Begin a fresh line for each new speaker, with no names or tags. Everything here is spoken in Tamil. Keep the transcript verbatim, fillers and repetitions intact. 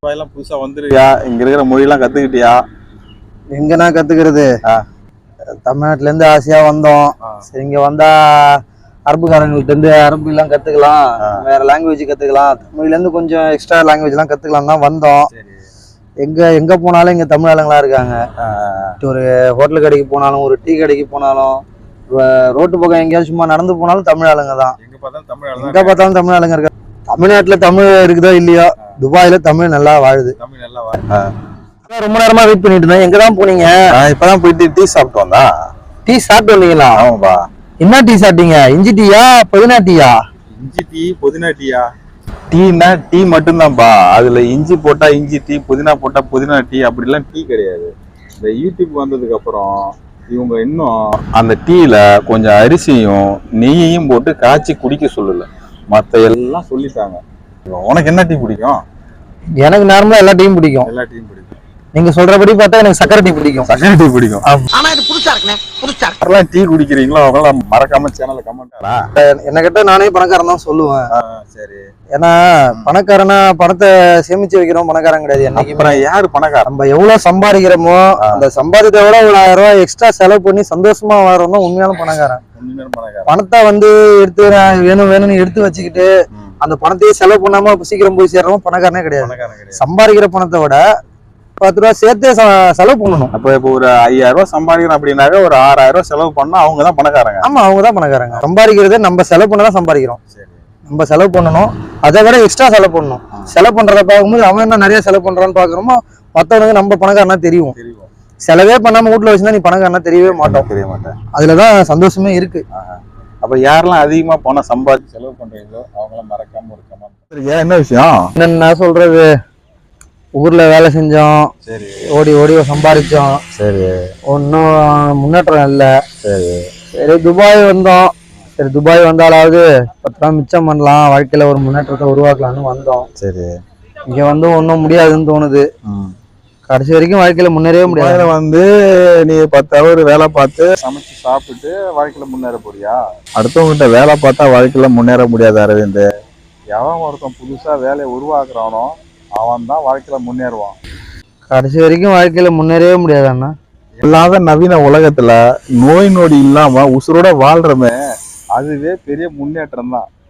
எல்லாம் புதுசா வந்துருக்கியா? இங்க இருக்கிற மொழியெல்லாம் கத்துக்கிட்டியா?
எங்கண்ணா கத்துக்கிறது? தமிழ்நாட்டுல இருந்து ஆசையா வந்தோம். சரி, இங்க வந்தா அரபுக்காரங்கள்ட்ட இருந்து அரபு எல்லாம் கத்துக்கலாம், வேற லாங்குவேஜ் கத்துக்கலாம், தமிழ்ல இருந்து கொஞ்சம் எக்ஸ்ட்ரா லாங்குவேஜ் எல்லாம் கத்துக்கலாம் தான் வந்தோம். எங்க எங்க போனாலும் இங்க தமிழ் ஆளுங்களா இருக்காங்க. ஒரு ஹோட்டல் கடைக்கு போனாலும், ஒரு டீ கடைக்கு போனாலும், ரோட்டு பக்கம் எங்கேயாவது சும்மா நடந்து போனாலும் தமிழ் ஆளுங்க தான். எங்க பார்த்தாலும் தமிழ் ஆளுங்க இருக்காங்க. தமிழ்நாட்டுல தமிழ் இருக்குதோ இல்லையோ, துபாயில தமிழ் நல்லா வாழுது. தமிழ் நல்லா வாழுது. ரொம்ப நேரமா வெயிட் பண்ணிட்டு இருந்தேன். எங்கதான் போனீங்க?
இப்பதான் போயிட்டு டீ சாப்பிட்டு வந்தா.
டீ சாப்பிட்டு வந்தீங்களா?
ஆமாப்பா.
என்ன டீ சாப்பிட்டீங்க? இஞ்சி டீயா புதினா டீயா?
இஞ்சி டீ புதினா டீயா? டீனா டீ மட்டும்தான்ப்பா. அதுல இஞ்சி போட்டா இஞ்சி டீ, புதினா போட்டா புதினா டீ, அப்படிலாம் டீ கிடையாது. இந்த யூடியூப் வந்ததுக்கு அப்புறம் இவங்க இன்னும் அந்த டீல கொஞ்சம் அரிசியும் நெய்யையும் போட்டு காய்ச்சி குடிக்க சொல்லல, மத்த எல்லாம் சொல்லிட்டாங்க. உனக்கு என்ன டீ பிடிக்கும்?
எனக்கு நார்மலா எல்லா டீயும் பிடிக்கும்.
எல்லா டீயும் பிடிக்கும்.
நீங்க சொல்றபடி பார்த்தா எனக்கு சக்கரை டீ பிடிக்கும்.
சக்கரை டீ பிடிக்கும்.
ஆனா இது புதுசா இருக்குனே, புதுசா
யாரெல்லாம் டீ குடிக்கிறீங்களோ அவங்கள மறக்காம சேனலை கமெண்ட்.
என்ன கேட்டா நானே பணக்காரன் தான் சொல்லுவேன்.
சரி.
ஏன்னா பணக்காரனா பணத்தை சேமிச்சு வைக்கிறோம், பணக்காரன் கிடையாது. என்னைக்கு
அப்புறம் யாரு பணக்காரன்?
நம்ம எவ்வளவு சம்பாதிக்கிறோமோ அந்த சம்பாதித்த விட ஒரு ஆயிரம் ரூபாய் எக்ஸ்ட்ரா செலவு பண்ணி சந்தோஷமா வாழறோம் தான் உண்மையான பணக்காரன். பணத்தை வந்து எடுத்து வேணும் வேணும்னு எடுத்து வச்சுக்கிட்டு அந்த பணத்தையே செலவு பண்ணாம சீக்கிரம் போய் சேர்றோம் பணக்காரனே கிடையாது. சம்பாதிக்கிற பணத்தை விட பத்து ரூபா சேர்த்தே செலவு பண்ணணும்.
அப்ப இப்போ ஒரு ஐயாயிரம் ரூபாய் சம்பாதிக்கிறோம் அப்படின்னாக்க ஒரு ஆறாயிரம் ரூபாய் செலவு பண்ணா அவங்கதான் பணக்காரங்க.
ஆமா, அவங்கதான் பணக்காரங்க. சம்பாதிக்கிறதே நம்ம செலவு பண்ணதான் சம்பாதிக்கிறோம். நம்ம செலவு பண்ணணும், அதை விட எக்ஸ்ட்ரா செலவு பண்ணணும். செலவு பண்றத பார்க்கும்போது அவன் என்ன நிறைய செலவு பண்றான்னு பாக்குறோமோ, மத்தவனுக்கு நம்ம பணக்காரனா தெரியும். செலவே பண்ணாம வீட்டுல வச்சுன்னா நீ பணக்காரனா தெரியவே மாட்டோம், தெரிய மாட்டேன். அதுலதான் சந்தோஷமே இருக்கு.
அப்ப யாரெல்லாம் அதிகமா பணம் சம்பாதிச்சு செலவு பண்றீங்களோ அவங்களாம் மறக்காம ஒரு கமெண்ட். என்ன விஷயம்?
என்ன சொல்றது, ஊர்ல வேலை செஞ்சோம், சரி, ஓடி ஓடி சம்பாதிச்சோம், சரி, ஒன்னும் முன்னேற்றம் இல்லை. சரி சரி துபாய் வந்தோம். சரி, துபாய் வந்தாலாவது பத்து ரூபா மிச்சம் பண்ணலாம், வாழ்க்கையில ஒரு முன்னேற்றத்தை உருவாக்கலாம்னு வந்தோம். சரி, இங்க வந்து ஒன்றும் முடியாதுன்னு தோணுது. கடைசி வரைக்கும் வாழ்க்கையில முன்னேறவே முடியாது.
வந்து நீ பத்து அவர் வேலை பார்த்து சமைச்சு சாப்பிட்டு வாழ்க்கையில முன்னேற போறியா? அடுத்தவங்கிட்ட வேலை பார்த்தா வாழ்க்கையில முன்னேற முடியாது அரவிந்த். எவன் ஒருத்தன் புதுசா வேலையை உருவாக்குறானோ அவன் தான் வாழ்க்கையில முன்னேறுவான்.
கடைசி வரைக்கும் வாழ்க்கையில முன்னேறவே முடியாது அண்ணா.
இல்லாத நவீன உலகத்துல நோய் நொடி இல்லாம உசுரோட வாழ்றமே அதுவே பெரிய முன்னேற்றம் தான்.